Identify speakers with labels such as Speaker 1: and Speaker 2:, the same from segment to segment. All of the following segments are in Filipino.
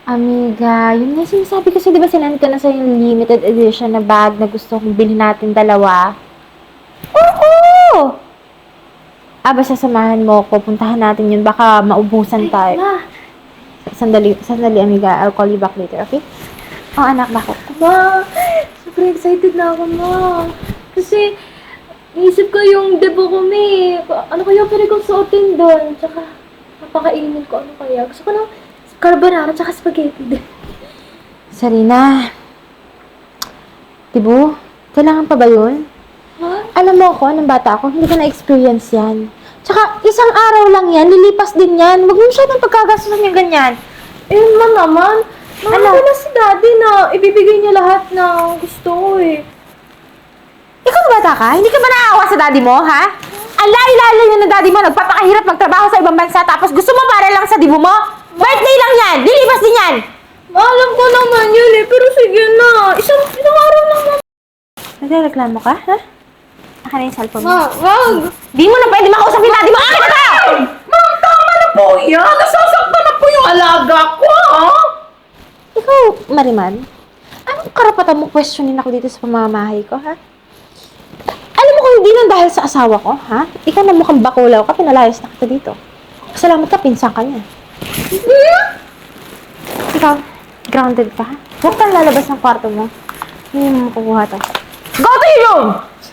Speaker 1: Amiga, yun nga sinasabi kasi di ba sinend ko na sa yung limited edition na bag na gusto kong bilhin natin dalawa? Oo! Basta samahan mo ko. Puntahan natin yun. Baka maubusan tayo. Sandali, amiga. I'll call you back later, okay? Oh, anak, bakit?
Speaker 2: Ma, super excited na ako, ma. Kasi, naisip ko yung debut ko, me. Ano kaya pwede kong suotin doon? Tsaka, napakainin ko. Ano kaya? Gusto ko ng carbonara tsaka spaghetti din.
Speaker 1: Sarina. Tibo, kailangan pa ba yun?
Speaker 2: Ha?
Speaker 1: Alam mo ako, ng bata ako, hindi ko na-experience yan. Tsaka, isang araw lang yan, lilipas din yan. Huwag mo siya ng pagkagastusan yung ganyan.
Speaker 2: Eh, ma naman.
Speaker 1: Ano?
Speaker 2: Ano? Na si daddy na ibibigay niya lahat ng gusto ko eh.
Speaker 1: Ikaw bata ka? Hindi ka ba naawa sa daddy mo, ha? Alay-lala yun ng daddy mo, nagpapakahirap magtrabaho sa ibang bansa, tapos gusto mo para lang sa dibo mo? Birthday lang yan! Lilipas din yan!
Speaker 2: Alam ko naman yun eh, pero sige na. Isang araw lang naman.
Speaker 1: Nagreklamo ka, ha? Akin na yung cellphone mo.
Speaker 2: Ma, wag!
Speaker 1: Di mo na pwede makausap yung daddy mo! Akin na ka!
Speaker 3: Ma'am, tama na po yan. Nasasaktan na po yung alaga ko, ha?
Speaker 1: Ikaw, Mariman, anong karapatan mo questionin ako dito sa pamamahay ko, ha? Alam mo kung hindi lang dahil sa asawa ko, ha? Ikaw na mukhang bakulaw ka, pinalayas na kita dito. Salamat ka, pinsan ka niya. Ikaw, grounded ka, ha? Huwag kang lalabas ng kwarto mo. Hindi mo makukuha to.
Speaker 3: Go to your room!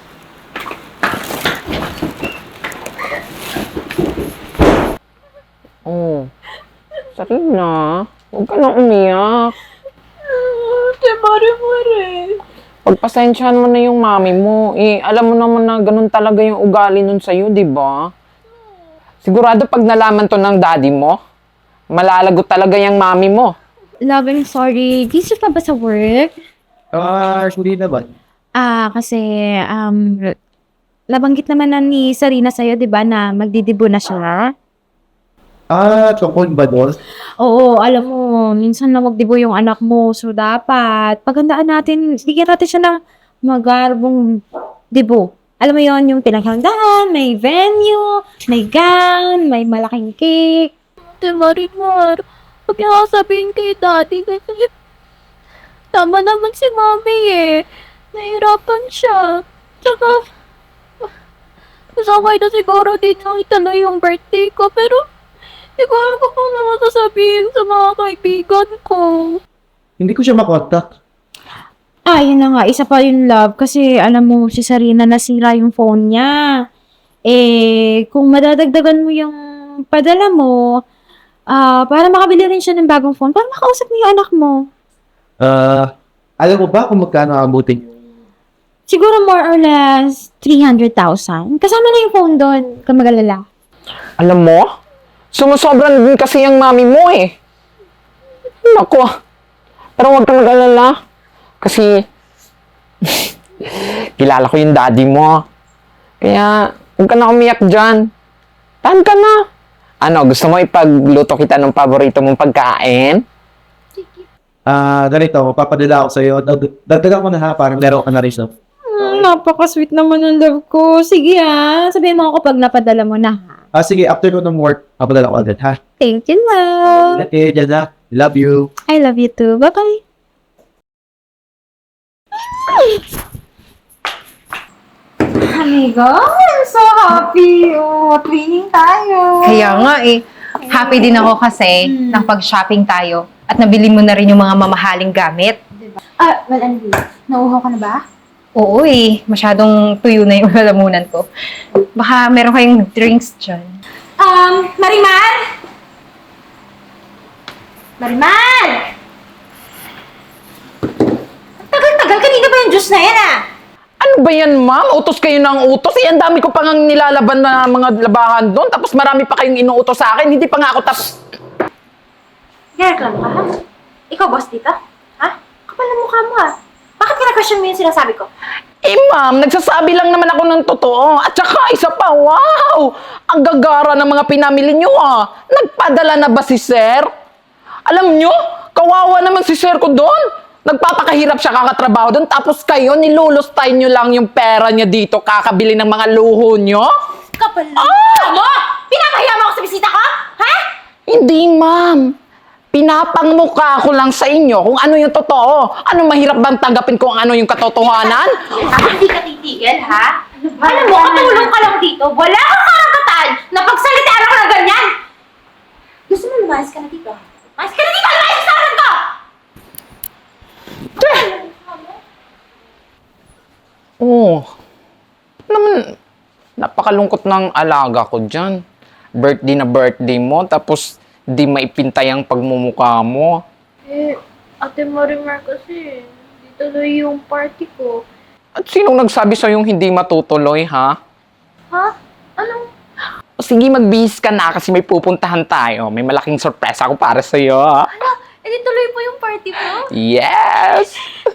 Speaker 3: Oh, Sarina, huwag ka na umiyak.
Speaker 2: Ate, mare-mare.
Speaker 3: Pagpasensyahan mo na yung mami mo. Alam mo naman na ganun talaga yung ugali nun sa'yo, di ba? Sigurado pag nalaman to ng daddy mo, malalagot talaga yung mami mo.
Speaker 1: Love, I'm sorry. Busy pa ba sa work?
Speaker 4: Hindi naman.
Speaker 1: Kasi, nabanggit naman na ni Sarina sa'yo, di ba, na magdidibo na siya?
Speaker 4: Tungkol ba doon?
Speaker 1: Oo, alam mo, minsan na magdibo yung anak mo. So, dapat, paghandaan natin, bigyan natin siya ng magarbong dibo. Alam mo yon yung pinaghandaan, may venue, may gown, may malaking cake.
Speaker 2: Ate, mare-mare. Huwag niya sabihin kay daddy kasi tama naman si mami eh. Nahirapan siya. Tsaka, masakay na siguro din nakita na yung birthday ko, pero hindi ko alam kung ano masasabihin sa mga kaibigan ko.
Speaker 4: Hindi ko siya makontak.
Speaker 1: Yun na nga, isa pa yung love. Kasi, alam mo, si Sarina nasira yung phone niya. Kung madadagdagan mo yung padala mo, para makabili rin siya ng bagong phone, para makausap mo yung anak mo.
Speaker 4: Alam mo ba kung magkano abutin?
Speaker 1: Siguro more or less 300,000. Kasama na yung phone doon, kung mag-alala.
Speaker 3: Alam mo, sumusobra din kasi yung mami mo eh. Naku, pero huwag kang mag-alala. Kasi, kilala ko yung daddy mo. Kaya, huwag ka na umiyak dyan. Tahan ka na. Ano, gusto mo ipagluto kita ng paborito mong pagkain?
Speaker 4: Ganito, papadala ako sa'yo. Dagdagan ko na ha, parang laro ka na rin. No?
Speaker 1: Napaka-sweet naman ng love ko. Sige sabihin mo ako pag napadala mo na ha.
Speaker 4: Sige, after ko ng work, papadala ko agad ha.
Speaker 1: Thank you, love.
Speaker 4: Okay, dyan na. Love you.
Speaker 1: I love you too. Bye-bye. Amigo, I'm so happy. Twinning tayo.
Speaker 5: Kaya nga happy din ako kasi nang pag-shopping tayo at nabili mo na rin yung mga mamahaling gamit.
Speaker 1: Well, anyway, nauuhaw ka na ba?
Speaker 5: Oo masyadong tuyo na yung lalamunan ko. Baka meron kayong drinks dyan.
Speaker 1: Marimar! Marimar! Tagal-tagal, kanina ba yung juice na yan
Speaker 3: Ano ba yan, ma'am? Utos kayo ng utos. Ang dami ko pang nilalaban na mga labahan doon. Tapos marami pa kayong inuutos sa akin. Hindi pa nga ako
Speaker 1: Nagreklamo ka, ha? Ikaw, boss dito? Ha? Kapal na mukha mo, ha? Bakit kinakasyon mo yung sinasabi ko?
Speaker 3: ma'am, nagsasabi lang naman ako ng totoo. At saka, isa pa, wow! Ang gagara ng mga pinamili nyo, Nagpadala na ba si sir? Alam nyo, kawawa naman si sir ko doon. Nagpapakahirap siya kakatrabaho doon. Tapos kayo, nilulustay nyo lang yung pera niya dito kakabili ng mga luho nyo?
Speaker 1: Kapal na mukha mo! Pinapahiya mo ako sa bisita ko? Ha?
Speaker 3: Hindi, ma'am. Pinapangmukha ko lang sa inyo kung ano yung totoo. Ano mahirap bang tanggapin kung ano yung katotohanan?
Speaker 1: Hindi ka titigil, ha? Alam mo, katulong ka lang dito. Wala kang karapatan na pagsalitaan ako ng ganyan. Gusto mo lumayas ka na dito? Lumayas ka na dito! Lumayas sa harap ko!
Speaker 3: Oo. Naman, napakalungkot ng alaga ko dyan. Birthday na birthday mo, tapos di maipintay ang pagmumukha mo.
Speaker 2: Ate Marimar kasi, hindi tuloy yung party ko.
Speaker 3: At sinong nagsabi sa'yong hindi matutuloy, ha?
Speaker 2: Ha? Anong?
Speaker 3: O sige, magbihis ka na kasi may pupuntahan tayo. May malaking sorpresa ako para sa'yo.
Speaker 2: Hindi tuloy po yung party ko?
Speaker 3: Yes!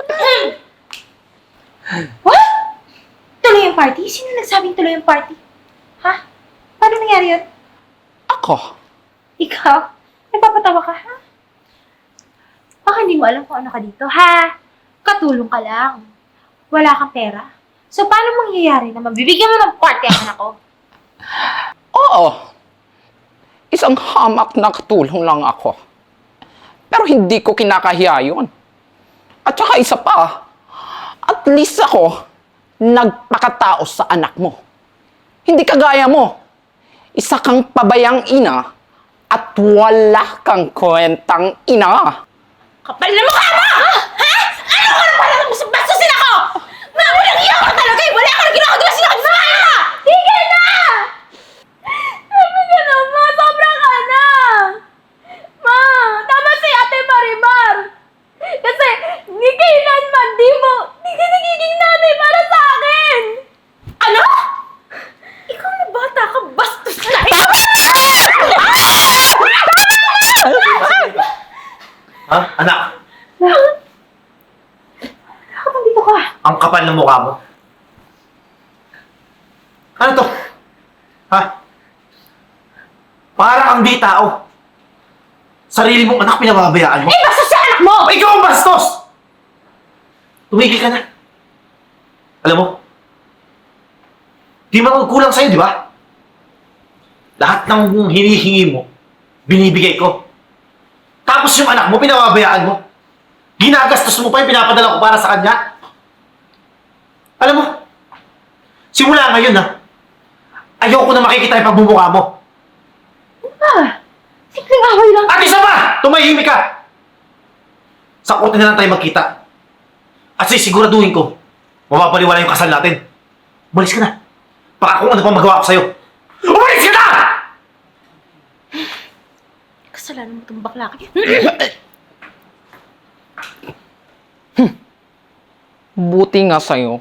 Speaker 1: What? Tuloy yung party? Sino nagsabing tuloy yung party? Ha? Paano nangyari yun?
Speaker 3: Ako.
Speaker 1: Ikaw? Nagpapatawa ka, ha? Baka hindi mo alam kung ano ka dito, ha? Katulong ka lang. Wala kang pera. So, paano mangyayari na mabibigyan mo ng party ang anak ko?
Speaker 3: Oo. Isang hamak na katulong lang ako. Pero hindi ko kinakahiya yun. At saka isa pa, at least ako, nagpakatao sa anak mo. Hindi kagaya mo. Isa kang pabayang ina at wala kang kwentang ina.
Speaker 1: Kapal na mukha mo! Ha? Ano ka na pala bastusin ako? Walang iya ka talaga eh! Wala ka na ginagawa sinabi sa kanya! Tigil na!
Speaker 2: Sabi ka na, ma! Sobra ka na! Ma! Tama si Ate Marimar! Kasi, ni kailanman di ka nagiging nanay para sa akin!
Speaker 1: Ano? Ikaw na bata ka, bastos na!
Speaker 4: Ha? Anak,
Speaker 1: Bakit dito ka?
Speaker 4: ang kapal ng mukha mo. Ano to? Ha? Para kang di tao. Sarili mong anak pinababayaan mo.
Speaker 1: Eh, bastos sa anak mo!
Speaker 4: Ikaw ang bastos! Tumigil ka na. Alam mo, di magkulang sa'yo, di ba? Lahat ng hinihingi mo, binibigay ko. Tapos yung anak mo, pinababayaan mo. Ginagastos mo pa yung pinapadala ko para sa kanya. Alam mo, simula ngayon ha, ayoko na makikita yung pagmumukha mo.
Speaker 1: Simpleng away lang.
Speaker 4: At isa pa, tumahimik ka! Sa korte na lang tayo magkita. At sisiguraduhin ko, mapapaliwala yung kasal natin. Umalis ka na. Baka kung ano pang magawa ko sa'yo. Umalis ka na!
Speaker 1: Kasalanan mo itong bakla ka.
Speaker 3: Buti nga sa'yo.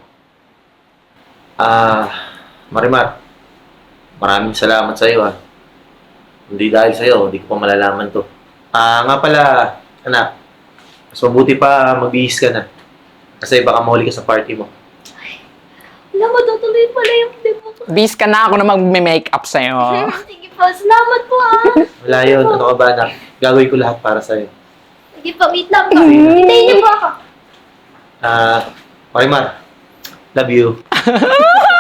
Speaker 4: Marimar, maraming salamat sa'yo ha. Hindi dahil sa'yo, hindi ko pa malalaman to. Nga pala, anak, mas mabuti pa magbihis ka na. Kasi baka mahuli ka sa party mo.
Speaker 2: Alam mo, tutuloy pala yung demo ko.
Speaker 3: Bis ka na ako na mag-make-up sa'yo.
Speaker 2: Sige po, salamat po
Speaker 4: Wala yun, ano ka ba anak? Gagawin ko lahat para sa'yo.
Speaker 2: Sige po, meet lang po. Hintayin niyo po ako.
Speaker 4: Marimar, love you.